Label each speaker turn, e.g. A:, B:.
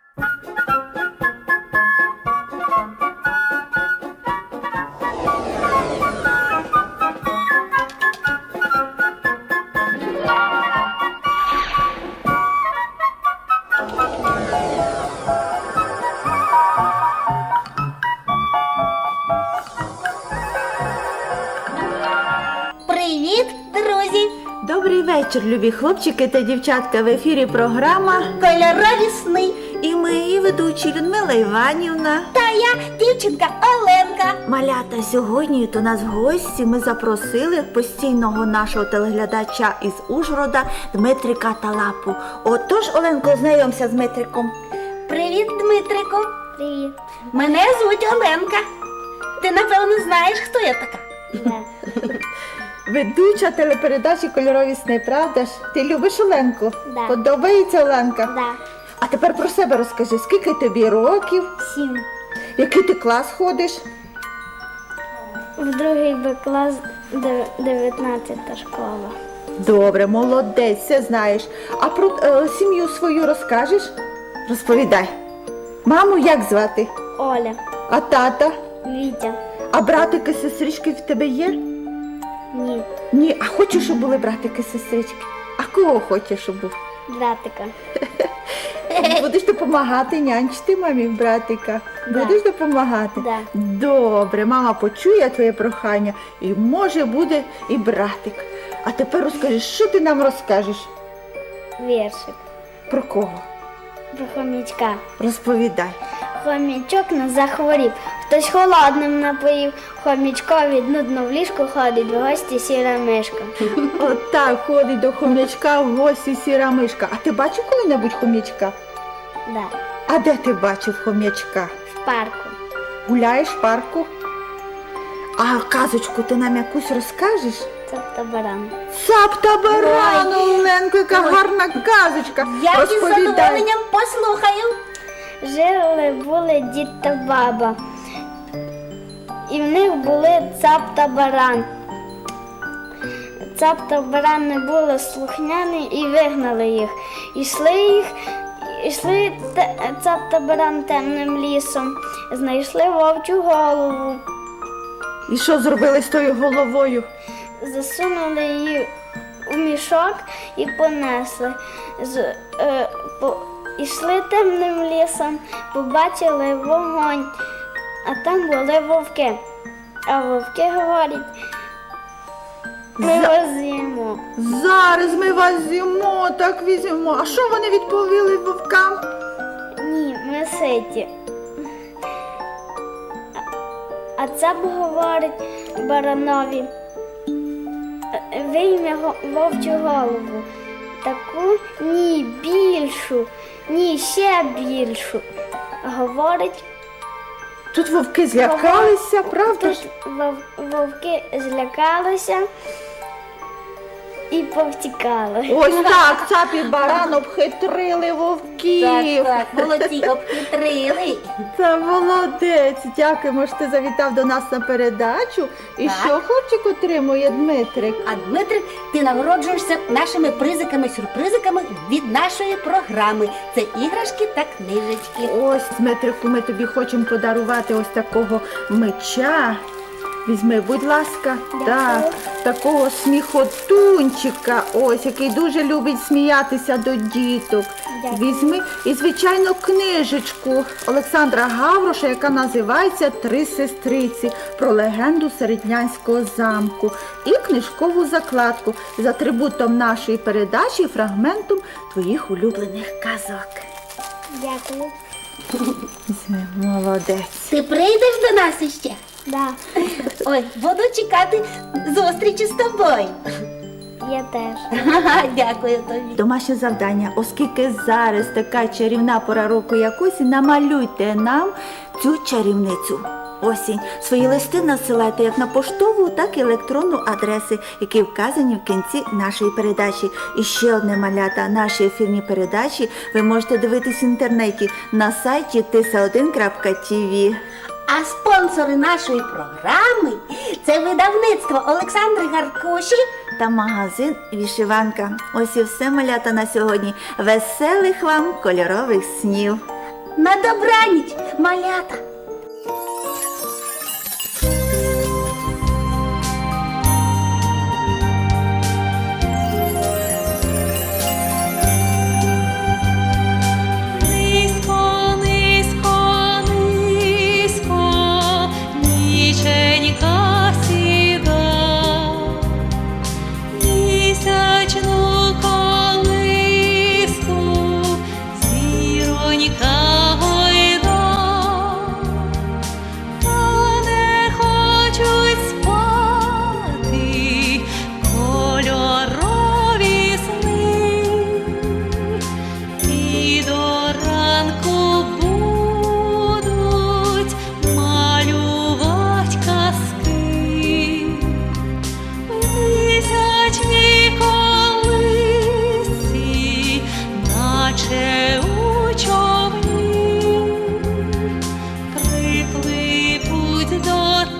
A: Привіт, друзі!
B: Добрий вечір, любі хлопчики та дівчатка. В ефірі програма
A: Кольорові сни.
B: і ми, її ведучі Людмила Іванівна.
A: Та я, дівчинка Оленка.
B: Малята, сьогодні до нас в гості ми запросили постійного нашого телеглядача із Ужгорода Дмитрика Талапу. Отож, Оленко, знайомся з Дмитриком.
A: Привіт, Дмитрику.
C: Привіт.
A: Мене звуть Оленка. Ти, напевно, знаєш, хто я така?
C: Да.
B: Ведуча телепередачі «Кольорові сни», правда ж? Ти любиш Оленку?
C: Да.
B: Подобається Оленка?
C: Да.
B: А тепер про себе розкажи, скільки тобі років,
C: 7.
B: який ти клас ходиш?
C: В другий Б клас 19 школа.
B: Добре, молодець, все знаєш. А про сім'ю свою розкажеш? Розповідай. Маму як звати?
C: Оля.
B: А тата?
C: Вітя.
B: А братики, сестрички в тебе є?
C: Ні.
B: Ні, а хочеш, щоб були братики, сестрички? А кого хочеш, щоб був?
C: Братика.
B: Будеш допомагати нянчити мамі братика?
C: Да.
B: Будеш допомагати?
C: Да.
B: Добре, мама почує твоє прохання і може буде і братик. А тепер розкажи, що ти нам розкажеш?
C: Віршик.
B: Про кого?
C: Про хомячка.
B: Розповідай.
C: Хомячок не захворів. Хтось холодним напоїв. Хомячкові нудно в ліжку ходить в гості сіра мишка.
B: Отак ходить до хомячка в гості сіра мишка. А ти бачив коли-небудь хомячка?
C: Да.
B: А де ти бачив хомячка?
C: В парку.
B: Гуляєш в парку? А казочку ти нам якусь розкажеш?
C: Тобто баран.
B: Цап та баран, Оленко, яка гарна казочка.
A: Я із
B: Розповідай.
A: задоволенням послухаю.
C: Жили-були дід та баба. І в них були цап та баран. Цап та баран не були слухняні і вигнали їх. Ішли цап та баран темним лісом, знайшли вовчу голову,
B: І що зробили з тою головою?
C: засунули її у мішок і понесли. Ішли темним лісом, побачили вогонь, а там були вовки. А вовки говорять, ми вас з'їмо.
B: Зараз ми вас з'їмо, так візьмемо. А що вони відповіли вовкам?
C: Ні, ми ситі. А це говорить баранові, вийме вовчу голову. Таку ні, більшу, ні, ще більшу. Говорить,
B: Тут вовки злякалися, правда ж?
C: тут вовки злякалися і повтікали.
B: Ось так, цап і баран обхитрили вовків.
A: Так, молодці, обхитрили.
B: Та молодець, дякуємо, що ти завітав до нас на передачу. І
A: Так.
B: що хлопчик отримує Дмитрик?
A: А Дмитрик, ти нагороджуєшся нашими призиками-сюрпризиками від нашої програми. Це іграшки та книжечки.
B: Ось, Дмитрику, ми тобі хочемо подарувати ось такого меча. Візьми, будь ласка, так, такого сміхотунчика, ось, який дуже любить сміятися до діток.
C: Дякую.
B: Візьми і, звичайно, книжечку Олександра Гавроша, яка називається «Три сестриці» про легенду Середнянського замку. І книжкову закладку з атрибутом нашої передачі і фрагментом твоїх улюблених казок.
C: Дякую.
B: Візьми, молодець.
A: Ти прийдеш до нас іще?
C: Да,
A: Ой, буду чекати зустрічі з тобою.
C: я теж.
A: Дякую тобі.
B: Домашнє завдання, оскільки зараз така чарівна пора року, як осінь, намалюйте нам цю чарівницю. Осінь. Свої листи насилайте як на поштову, так і електронну адреси, які вказані в кінці нашої передачі. І ще одне, малята, наші ефірні передачі ви можете дивитись в інтернеті на сайті tisa1.tv.
A: А спонсори нашої програми – це видавництво Олександри Гаркоші
B: Та магазин «Вишиванка». Ось і все, малята, на сьогодні. Веселих вам кольорових снів!
A: На добраніч, малята!
D: Низько, низько, низько, ніченька сіда, місячну колиску, зіронька гойда, та не хочуть спати кольорові сни. І до ранку будуть малювать казки в місячній колисці, наче у човні, припливуть до